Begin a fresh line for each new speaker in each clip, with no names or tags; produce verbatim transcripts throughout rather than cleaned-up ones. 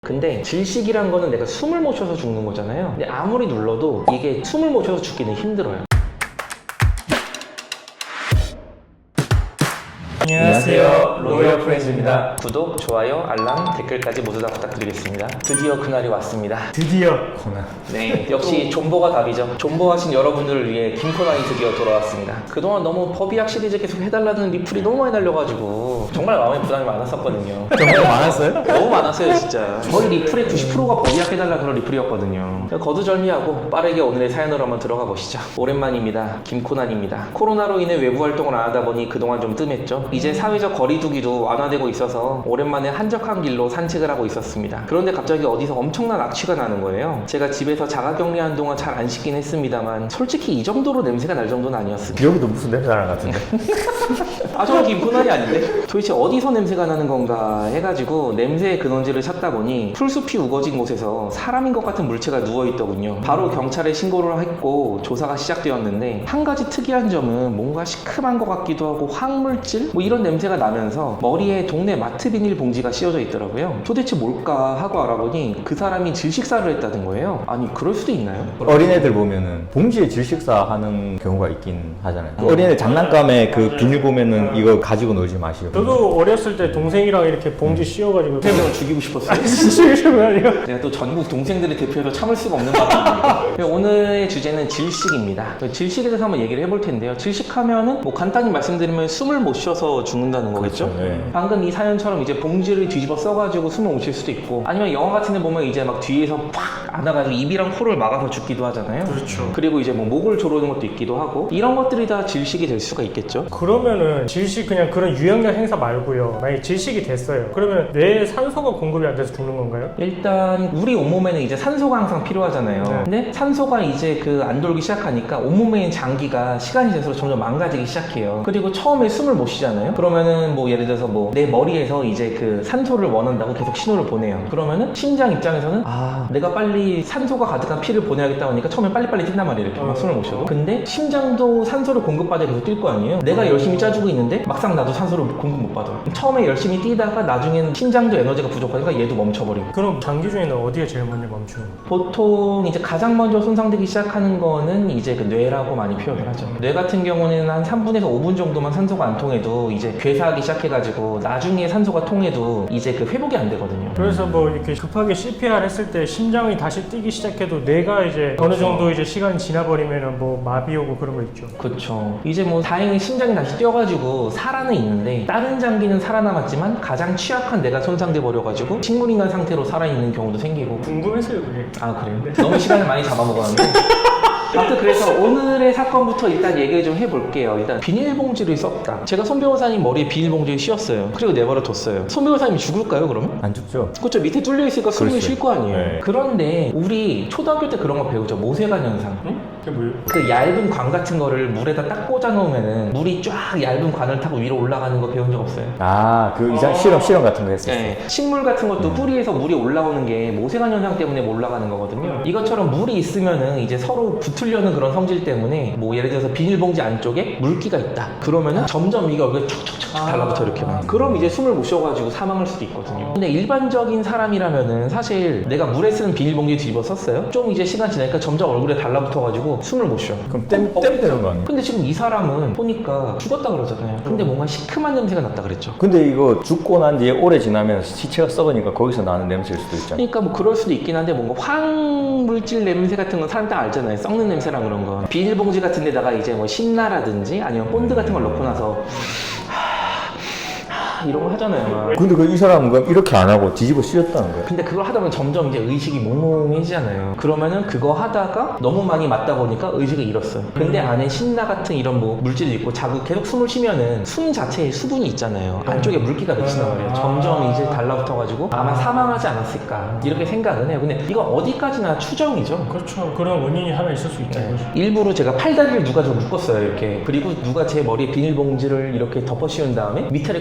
근데 질식이란 거는 내가 숨을 못 쉬어서 죽는 거잖아요. 근데 아무리 눌러도 이게 숨을 못 쉬어서 죽기는 힘들어요.
안녕하세요, 로열 프렌즈입니다.
구독, 좋아요, 알람, 댓글까지 모두 다 부탁드리겠습니다. 드디어 그날이 왔습니다.
드디어 코난.
네, 역시 존버가 답이죠. 존버하신 여러분들을 위해 김코난이 드디어 돌아왔습니다. 그동안 너무 법의학 시리즈 계속 해달라는 리플이 너무 많이 날려가지고 정말 마음에 부담이 많았었거든요.
정말 많았어요?
너무 많았어요, 진짜. 거의 리플의 구십 퍼센트가 법의학 해달라 그런 리플이었거든요. 거두절미하고 빠르게 오늘의 사연으로 한번 들어가 보시죠. 오랜만입니다. 김코난입니다. 코로나로 인해 외부 활동을 안 하다 보니 그동안 좀 뜸했죠. 이제 사회적 거리두기도 완화되고 있어서 오랜만에 한적한 길로 산책을 하고 있었습니다. 그런데 갑자기 어디서 엄청난 악취가 나는 거예요. 제가 집에서 자가격리한 동안 잘 안 씻긴 했습니다만 솔직히 이 정도로 냄새가 날 정도는 아니었습니다.
여기도 무슨 냄새 나는 것 같은데?
아, 저는 김코난이 아닌데? 도대체 어디서 냄새가 나는 건가 해가지고 냄새의 근원지를 찾다 보니 풀숲이 우거진 곳에서 사람인 것 같은 물체가 누워있더군요. 바로 경찰에 신고를 했고 조사가 시작되었는데 한 가지 특이한 점은 뭔가 시큼한 것 같기도 하고 황물질? 뭐 이런 냄새가 나면서 머리에 동네 마트 비닐 봉지가 씌워져 있더라고요. 도대체 뭘까 하고 알아보니 그 사람이 질식사를 했다는 거예요. 아니, 그럴 수도 있나요?
어린애들 보면은 봉지에 질식사 하는 경우가 있긴 하잖아요.
어.
어린애 장난감에 그 비닐 보면은 이거 가지고 놀지 마시고.
저도 어렸을 때 동생이랑 이렇게 봉지 씌워가지고
동생을 죽이고 싶었어요.
죽이시면 아니요?
제가 또 전국 동생들을 대표해서 참을 수가 없는 바입니다. 오늘의 주제는 질식입니다. 질식에 대해서 한번 얘기를 해볼 텐데요. 질식하면은 뭐 간단히 말씀드리면 숨을 못 쉬어서 죽는다는 거겠죠?
그렇죠, 네.
방금 이 사연처럼 이제 봉지를 뒤집어 써가지고 숨을 못 쉴 수도 있고, 아니면 영화 같은 데 보면 이제 막 뒤에서 팍 안아가지고 입이랑 코를 막아서 죽기도 하잖아요.
그렇죠.
그리고 이제 뭐 목을 조르는 것도 있기도 하고, 이런 것들이 다 질식이 될 수가 있겠죠.
그러면은 질식 그냥 그런 유형력 행사 말고요, 만약에 질식이 됐어요, 그러면 뇌에 산소가 공급이 안 돼서 죽는 건가요?
일단 우리 온몸에는 이제 산소가 항상 필요하잖아요.
네.
근데 산소가 이제 그 안 돌기 시작하니까 온몸에 있는 장기가 시간이 될수록 점점 망가지기 시작해요. 그리고 처음에 숨을 못 쉬잖아요. 그러면은 뭐 예를 들어서 뭐 내 머리에서 이제 그 산소를 원한다고 계속 신호를 보내요. 그러면은 심장 입장에서는 아, 내가 빨리 산소가 가득한 피를 보내야겠다 하니까 처음에 빨리빨리 뛴단 말이에요. 이렇게 막 숨을 못 쉬어도. 근데 심장도 산소를 공급받아 계속 뛸 거 아니에요. 내가 열심히 짜주고 있는데 막상 나도 산소를 공급 못 받아. 처음에 열심히 뛰다가 나중에는 심장도 에너지가 부족하니까 얘도 멈춰버리고.
그럼 장기 중에는 어디가 제일 먼저 멈추는 거예요?
보통 이제 가장 먼저 손상되기 시작하는 거는 이제 그 뇌라고 많이 표현을 하죠. 뇌 같은 경우는 한 삼 분에서 오 분 정도만 산소가 안 통해도 이제 괴사하기 시작해가지고 나중에 산소가 통해도 이제 그 회복이 안 되거든요.
그래서 뭐 이렇게 급하게 씨피알 했을 때 심장이 다시 뛰기 시작해도 뇌가 이제 어느 정도 이제 시간이 지나버리면은 뭐 마비 오고 그런 거 있죠.
그렇죠. 이제 뭐 다행히 심장이 다시 뛰어가지고 살아는 있는데 다른 장기는 살아남았지만 가장 취약한 뇌가 손상돼 버려가지고 식물인간 상태로 살아있는 경우도 생기고.
궁금했어요 그게.
아, 그래요? 너무 시간을 많이 잡아먹었는데. 아무튼 그래서 오늘의 사건부터 일단 얘기를 좀 해볼게요. 일단 비닐봉지를 썼다. 제가 손 변호사님 머리에 비닐봉지를 씌웠어요. 그리고 내버려 뒀어요. 손 변호사님이 죽을까요, 그러면?
안 죽죠?
그렇죠. 밑에 뚫려 있으니까 숨을
그렇지.
쉴 거 아니에요.
네.
그런데 우리 초등학교 때 그런 거 배우죠. 모세관 현상.
응? 그게 뭐예요?
그 얇은 관 같은 거를 물에다 딱 꽂아 놓으면은 물이 쫙 얇은 관을 타고 위로 올라가는 거 배운 적 없어요?
아, 그 이상 실험 실험 같은 거 했었어요.
네. 식물 같은 것도 뿌리에서 물이 올라오는 게 모세관 현상 때문에 올라가는 거거든요. 이것처럼 물이 있으면은 이제 서로 붙으려는 그런 성질 때문에 뭐 예를 들어서 비닐봉지 안쪽에 물기가 있다. 그러면은 점점 이게 얼굴에 척척척 달라붙어 이렇게 막. 그럼 이제 숨을 못 쉬어가지고 사망할 수도 있거든요. 근데 일반적인 사람이라면은 사실 내가 물에 쓰는 비닐봉지 뒤집어 썼어요. 좀 이제 시간 지나니까 점점 얼굴에 달라붙어가지고 숨을 못 쉬어.
그럼 땜, 땜 되는 거 아니에요?
근데 지금 이 사람은 보니까 죽었다 그러잖아요. 근데 뭔가 시큼한 냄새가 났다 그랬죠.
근데 이거 죽고 난 뒤에 오래 지나면 시체가 썩으니까 거기서 나는 냄새일 수도 있잖아요.
그러니까 뭐 그럴 수도 있긴 한데 뭔가 황물질 냄새 같은 건 사람 딱 알잖아요. 썩는 냄새랑 그런 거. 비닐봉지 같은 데다가 이제 뭐 신나라든지 아니면 본드 같은 걸 넣고 나서 이런 거 하잖아요. 막.
근데 그 이 사람은 그럼 이렇게 안 하고 뒤집어 씌웠다는 거예요?
근데 그걸 하다 보면 점점 이제 의식이 몽롱해지잖아요. 그러면은 그거 하다가 너무 많이 맞다 보니까 의식을 잃었어요. 근데 안에 신나 같은 이런 뭐 물질이 있고 자꾸 계속 숨을 쉬면은 숨 자체에 수분이 있잖아요. 안쪽에 물기가 맺힌단 말이에요. 점점 이제 달라붙어가지고 아마 사망하지 않았을까 이렇게 생각은 해요. 근데 이건 어디까지나 추정이죠.
그렇죠. 그런 원인이 하나 있을 수 있죠.
네. 일부러 제가 팔다리를 누가 좀 묶었어요 이렇게. 그리고 누가 제 머리에 비닐봉지를 이렇게 덮어 씌운 다음에 밑에를 꽉 쪼매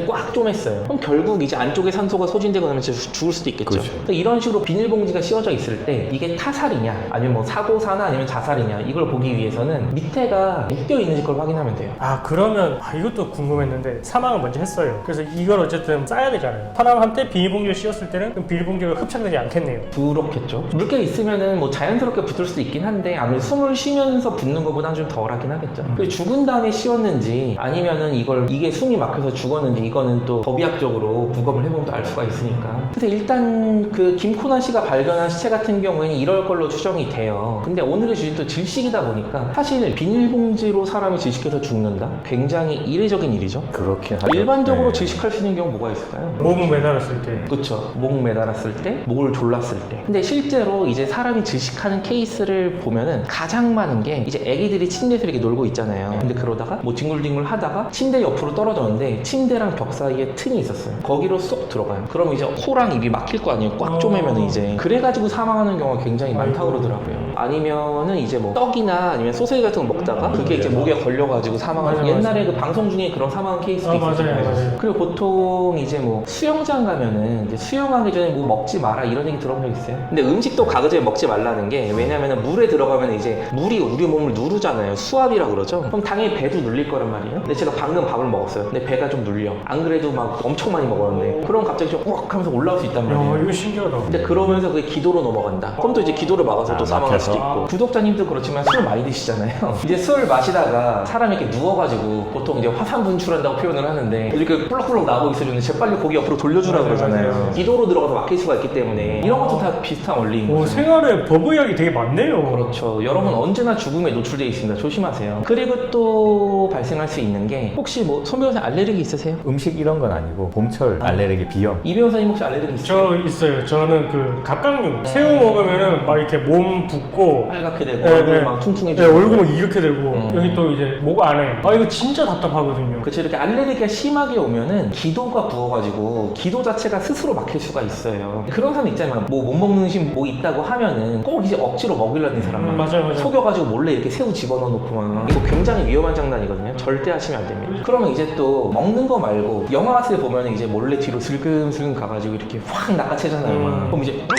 심했어요. 그럼 결국 이제 안쪽에 산소가 소진되고 나면 진짜 죽을 수도 있겠죠.
그렇죠.
그러니까 이런 식으로 비닐봉지가 씌워져 있을 때 이게 타살이냐 아니면 뭐 사고사나 아니면 자살이냐 이걸 보기 위해서는 밑에가 묶여 있는지 걸 확인하면 돼요.
아 그러면 아, 이것도 궁금했는데 사망을 먼저 했어요. 그래서 이걸 어쨌든 싸야 되잖아요. 사람한테 비닐봉지를 씌웠을 때는 그 비닐봉지가 흡착되지 않겠네요.
그렇겠죠. 물겨 있으면은 뭐 자연스럽게 붙을 수도 있긴 한데 아무래도 숨을 쉬면서 붙는 것보다는 좀 덜하긴 하겠죠. 그리고 죽은 다음에 씌웠는지 아니면은 이걸 이게 숨이 막혀서 죽었는지 이거는 또 법의학적으로 부검을 해보면 또 알 수가 있으니까. 그래서 일단 그 김코나 씨가 발견한 시체 같은 경우에는 이럴 걸로 추정이 돼요. 근데 오늘의 주제는 또 질식이다 보니까 사실 비닐봉지로 사람이 질식해서 죽는다? 굉장히 이례적인 일이죠.
그렇긴 하죠.
일반적으로
네.
질식할 수 있는 경우 뭐가 있을까요?
몸을 매달았을 때.
그쵸. 목 매달았을 때, 목을 졸랐을 때. 근데 실제로 이제 사람이 질식하는 케이스를 보면은 가장 많은 게 이제 애기들이 침대에서 이렇게 놀고 있잖아요. 근데 그러다가 뭐 뒹굴뒹굴 하다가 침대 옆으로 떨어졌는데 침대랑 벽 사이에 틈이 있었어요. 거기로 쏙 들어가요. 그럼 이제 코랑 입이 막힐 거 아니에요. 꽉 쪼매면은 이제. 그래가지고 사망하는 경우가 굉장히 많다고 그러더라고요. 아니면은 이제 뭐 떡이나 아니면 소세지 같은 거 먹다가 그게 이제 목에 걸려가지고 사망하는.
맞아, 맞아.
옛날에 그 방송 중에 그런 사망 케이스도
아, 맞아요,
있었잖아요.
맞아요.
그리고 보통 이제 뭐 수영장 가면은 이제 수영하기 전에 뭐 먹지 마라 이런 얘기 들어본 적 있어요? 근데 음식도 가기 전에 먹지 말라는 게 왜냐면은 물에 들어가면 이제 물이 우리 몸을 누르잖아요. 수압이라 그러죠. 그럼 당연히 배도 눌릴 거란 말이에요. 근데 제가 방금 밥을 먹었어요. 근데 배가 좀 눌려. 안 그래도 막 엄청 많이 먹었는데 그럼 갑자기 좀 우악 하면서 올라올 수 있단 말이에요.
야 이거 신기하다.
근데 그러면서 그게 기도로 넘어간다. 그럼 또 이제 기도를 막아서 또
아,
사망할 수도
막혀서.
있고. 구독자님도 그렇지만 술 많이 드시잖아요. 이제 술 마시다가 사람이 이렇게 누워가지고 보통 이제 화산 분출한다고 표현을 하는데 이렇게 꿀럭꿀럭 나오고 있으면 재빨리 고기 옆으로 돌려주라고
맞아요,
그러잖아요.
맞아요.
기도로 들어가서 막힐 수가 있기 때문에 이런 것도 다 비슷한 원리인
오,
거죠.
생활에 법의학이 되게 많네요.
그렇죠. 여러분 언제나 죽음에 노출되어 있습니다. 조심하세요. 그리고 또 발생할 수 있는 게 혹시 뭐 손 변호사 알레르기 있으세요?
음식 이런 건 아니고 봄철 알레르기 비염.
이 변호사님 혹시 알레르기 있으세요?
저 있어요. 저는 그 갑각류 새우 먹으면은 막 이렇게 몸 붓고
빨갛게 되고
네,
얼굴
네.
막
네,
퉁퉁해지고
얼굴 막 이렇게 되고
음.
여기 또 이제 목 안에 아 이거 진짜 답답하거든요.
그치 이렇게 알레르기가 심하게 오면은 기도가 부어가지고 기도 자체가 스스로 막힐 수가 있어요. 그런 사람 있잖아요. 뭐 못 먹는 음식 뭐 있다고 하면은 꼭 이제 억지로 먹이려는 사람
음, 맞아요, 맞아요.
속여가지고 몰래 이렇게 새우 집어넣어 놓고 막 이거 굉장히 위험한 장난이거든요. 절대 하시면 안 됩니다. 그러면 이제 또 먹는 거 말고 영화 같은 데 보면 이제 몰래 뒤로 슬금슬금 가가지고 이렇게 확 낚아채잖아요. 막.
음.
그럼 이제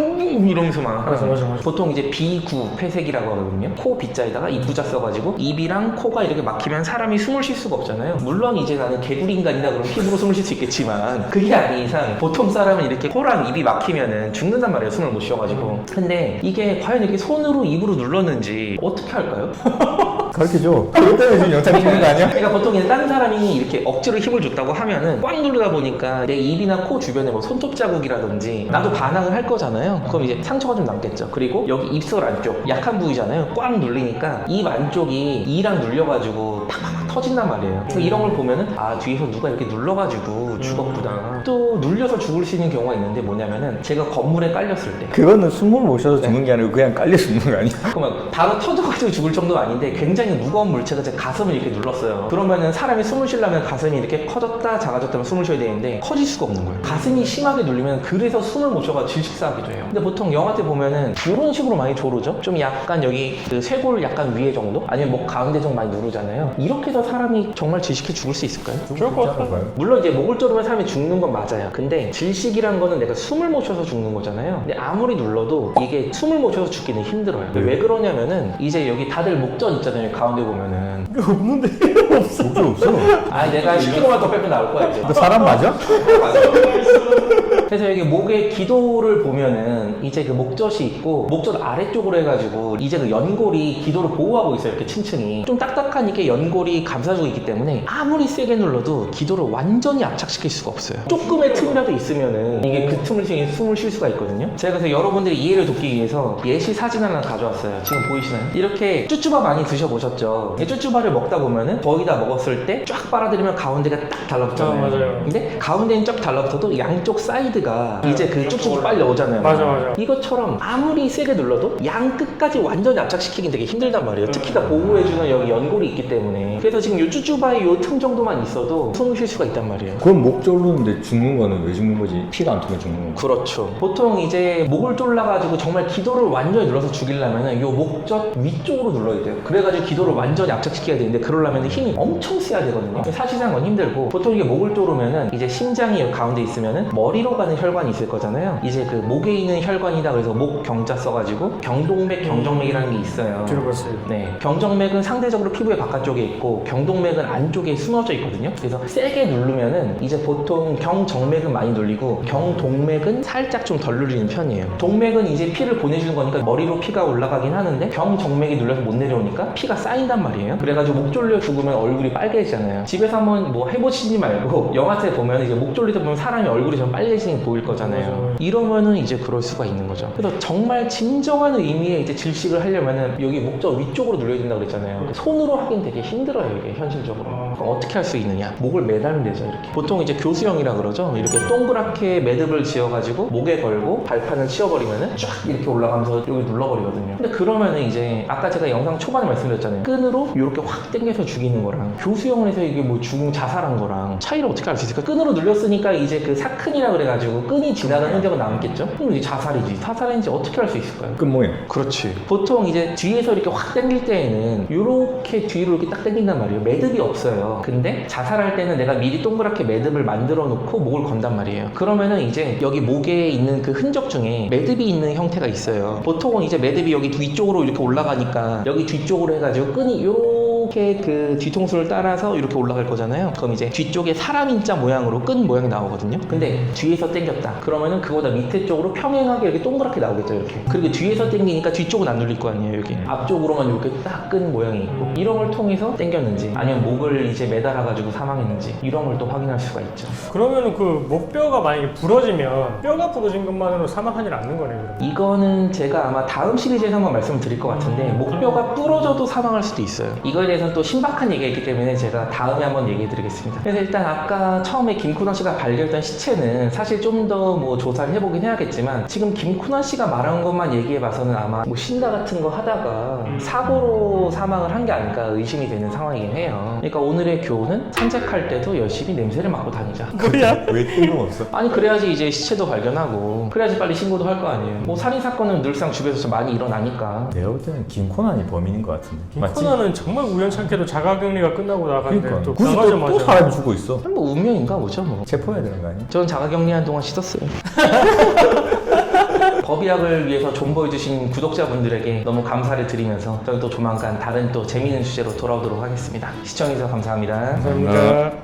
이러면서 막
맞아, 맞아, 맞아.
보통 이제 비구 폐색이라고 하거든요. 코 비자에다가 이 부자 써가지고 입이랑 코가 이렇게 막히면 사람이 숨을 쉴 수가 없잖아요. 물론 이제 나는 개구리 인간이다 그러면 피부로 숨을 쉴 수 있겠지만 그게 아닌 이상 보통 사람은 이렇게 코랑 입이 막히면은 죽는단 말이에요. 숨을 못 쉬어가지고. 근데 이게 과연 이렇게 손으로 입으로 눌렀는지 어떻게 할까요?
가르쳐줘. 그것 때문에 지금 영상 찍는 거 아니야?
그러니까 보통 이제 다른 사람이 이렇게 억지로 힘을 줬다고 하면은 꽉 누르다 보니까 내 입이나 코 주변에 뭐 손톱 자국이라든지 나도 반항을 할 거잖아요. 그럼 이제 상처가 좀 남겠죠. 그리고 여기 입술 안쪽 약한 부위잖아요. 꽉 눌리니까 입 안쪽이 이랑 눌려가지고 팍팍팍 터진단 말이에요. 그래서 이런 걸 보면은 아 뒤에서 누가 이렇게 눌러가지고 죽었구나. 또 눌려서 죽을 수 있는 경우가 있는데 뭐냐면은 제가 건물에 깔렸을 때
그거는 숨을 못 쉬어서 죽는 게 아니고 그냥 깔려 죽는 거 아니야?
그러면 바로 터져가지고 죽을 정도가 아닌데 굉장히 무거운 물체가 제 가슴을 이렇게 눌렀어요. 그러면은 사람이 숨을 쉬려면 가슴이 이렇게 커졌다 작아졌다면 숨을 쉬어야 되는데 커질 수가 없는 거예요. 가슴이 심하게 눌리면 그래서 숨을 못 쉬어가 질식사하기도 해요. 근데 보통 영화 때 보면은 이런 식으로 많이 조르죠. 좀 약간 여기 그 쇄골 약간 위에 정도 아니면 목 가운데 좀 많이 누르잖아요. 이렇게 해서 사람이 정말 질식해 죽을 수 있을까요?
좋을 것 같아요.
물론 이제 목을 조르면 사람이 죽는 건 맞아요. 근데 질식이란 거는 내가 숨을 못 쉬어서 죽는 거잖아요. 근데 아무리 눌러도 이게 숨을 못 쉬어서 죽기는 힘들어요.
네.
왜 그러냐면은 이제 여기 다들 목전 있잖아요. 가운데 보면은
이거 없는데 없어.
목줄 없어.
아 내가 십 킬로그램만 더 빼면 나올 거야 이제.
너 사람 맞아?
그래서 여기 목에 기도를 보면은 이제 그 목젖이 있고 목젖 아래쪽으로 해가지고 이제 그 연골이 기도를 보호하고 있어요. 이렇게 층층이 좀 딱딱하니까 연골이 감싸주고 있기 때문에 아무리 세게 눌러도 기도를 완전히 압착시킬 수가 없어요. 조금의 틈이라도 있으면은 이게 그 틈을 통해 숨을 쉴 수가 있거든요. 제가 그래서 여러분들이 이해를 돕기 위해서 예시 사진 하나 가져왔어요. 지금 보이시나요? 이렇게 쭈쭈바 많이 드셔보셨죠? 이 쭈쭈바를 먹다 보면은 거의 다 먹었을 때 쫙 빨아들이면 가운데가 딱 달라붙잖아요.
아, 맞아요.
근데 가운데는 쫙 달라붙어도 양쪽 사이드 헤드가 이제 그 쭉쭉 빨려 오잖아요.
맞아, 맞아.
이것처럼 아무리 세게 눌러도 양 끝까지 완전히 압착시키긴 되게 힘들단 말이에요. 특히나 보호해주는 여기 연골이 있기 때문에. 그래서 지금 요 쭈쭈바의 요 틈 정도만 있어도 숨을 쉴 수가 있단 말이에요.
그럼 목 졸르는데 죽는 거는 왜 죽는 거지? 피가 안 통해 죽는 거.
그렇죠. 보통 이제 목을 졸라가지고 정말 기도를 완전히 눌러서 죽이려면은 요 목젖 위쪽으로 눌러야 돼요. 그래가지고 기도를 완전히 압착시켜야 되는데 그러려면 힘이 엄청 세야 되거든요. 사실상 그건 힘들고, 보통 이게 목을 졸으면은 이제 심장이 여기 가운데 있으면은 머리로 가는 혈관이 있을 거잖아요. 이제 그 목에 있는 혈관이다 그래서 목 경자 써가지고 경동맥, 경정맥이라는 게 있어요.
들어봤어요.
네, 경정맥은 상대적으로 피부의 바깥쪽에 있고 경동맥은 안쪽에 숨어져 있거든요. 그래서 세게 누르면은 이제 보통 경정맥은 많이 눌리고 경동맥은 살짝 좀 덜 눌리는 편이에요. 동맥은 이제 피를 보내주는 거니까 머리로 피가 올라가긴 하는데 경정맥이 눌려서 못 내려오니까 피가 쌓인단 말이에요. 그래가지고 목 졸려 죽으면 얼굴이 빨개지잖아요. 집에서 한번 뭐 해보시지 말고 영화에 보면 이제 목 졸리다 보면 사람이 얼굴이 좀 빨개지는 게 보일 거잖아요. 이러면은 이제 그럴 수가 있는 거죠. 그래서 정말 진정한 의미의 이제 질식을 하려면은 여기 목젖 위쪽으로 눌려야 된다고 그랬잖아요. 손으로 하긴 되게 힘들어요, 이게 현실적으로. 그럼 어떻게 할 수 있느냐? 목을 매달면 되죠, 이렇게. 보통 이제 교수형이라 그러죠. 이렇게 동그랗게 매듭을 지어가지고 목에 걸고 발판을 치워버리면은 쫙 이렇게 올라가면서 여기 눌러버리거든요. 근데 그러면은 이제 아까 제가 영상 초반에 말씀드렸잖아요. 끈으로 이렇게 확 당겨서 죽이는 거랑 교수형을 해서 이게 뭐 죽음 자살한 거랑 차이를 어떻게 알 수 있을까? 끈으로 눌렸으니까 이제 그 사큰이라 그래가지고 끈이 지나가는 흔적은 남겠죠? 그럼 이게 자살이지. 사살인지 어떻게 알 수 있을까요?
끝 모양.
그렇지. 보통 이제 뒤에서 이렇게 확 당길 때에는 이렇게 뒤로 이렇게 딱 당긴단 말이에요. 매듭이 없어요. 근데 자살할 때는 내가 미리 동그랗게 매듭을 만들어 놓고 목을 건단 말이에요. 그러면은 이제 여기 목에 있는 그 흔적 중에 매듭이 있는 형태가 있어요. 보통은 이제 매듭이 여기 위쪽으로 이렇게 올라가니까 여기 뒤쪽으로 해가지고 끈이 요렇게 그 뒤통수를 따라서 이렇게 올라갈 거잖아요. 그럼 이제 뒤쪽에 사람 인자 모양으로 끈 모양이 나오거든요. 근데 뒤에서 당겼다. 그러면은 그거보다 밑에 쪽으로 평행하게 이렇게 동그랗게 나오겠죠, 이렇게. 그리고 뒤에서 당기니까 뒤쪽은 안 눌릴 거 아니에요, 여기. 앞쪽으로만 이렇게 딱 끈 모양이 있고. 이런 걸 통해서 당겼는지 아니면 목을 이제 매달아가지고 사망했는지 이런 걸 또 확인할 수가 있죠.
그러면은 그 목뼈가 만약에 부러지면 뼈가 부러진 것만으로 사망하지 않는 거네요. 그러면.
이거는 제가 아마 다음 시리즈에서 한번 말씀을 드릴 것 같은데 목뼈가 부러져도 사망할 수도 있어요. 이거에 대해서는 또 신박한 얘기가 있기 때문에 제가 다음에 한번 얘기해 드리겠습니다. 그래서 일단 아까 처음에 김쿠나 씨가 발견했던 시체는 사실 좀 더 뭐 조사를 해보긴 해야겠지만 지금 김쿠나 씨가 말한 것만 얘기해 봐서는 아마 뭐 신다 같은 거 하다가 사고로 사망을 한 게 아닐까 의심이 되는 상황이긴 해요. 그러니까 오늘의 교훈은 산책할 때도 열심히 냄새를 맡고 다니자.
뭐야?
왜 뜬금없어?
아니 그래야지 이제 시체도 발견하고 그래야지 빨리 신고도 할 거 아니에요. 뭐 살인사건은 늘상 주변에서 좀 많이 일어나니까.
내가 볼 때는 김코난이 범인인 것 같은데. 맞지?
코나는 정말 우연찮게도 자가격리가 끝나고 나갔는데
그러니까
또
굳이 또,
나가자마자
또 사람이 죽고 있어.
뭐 운명인가 보죠 뭐.
체포해야 되는 거 아니야?
저는 자가격리한 동안 씻었어요. 법의학을 위해서 존버해주신 구독자분들에게 너무 감사를 드리면서 저는 또 조만간 다른 또 재미있는 주제로 돌아오도록 하겠습니다. 시청해주셔서 감사합니다.
감사합니다.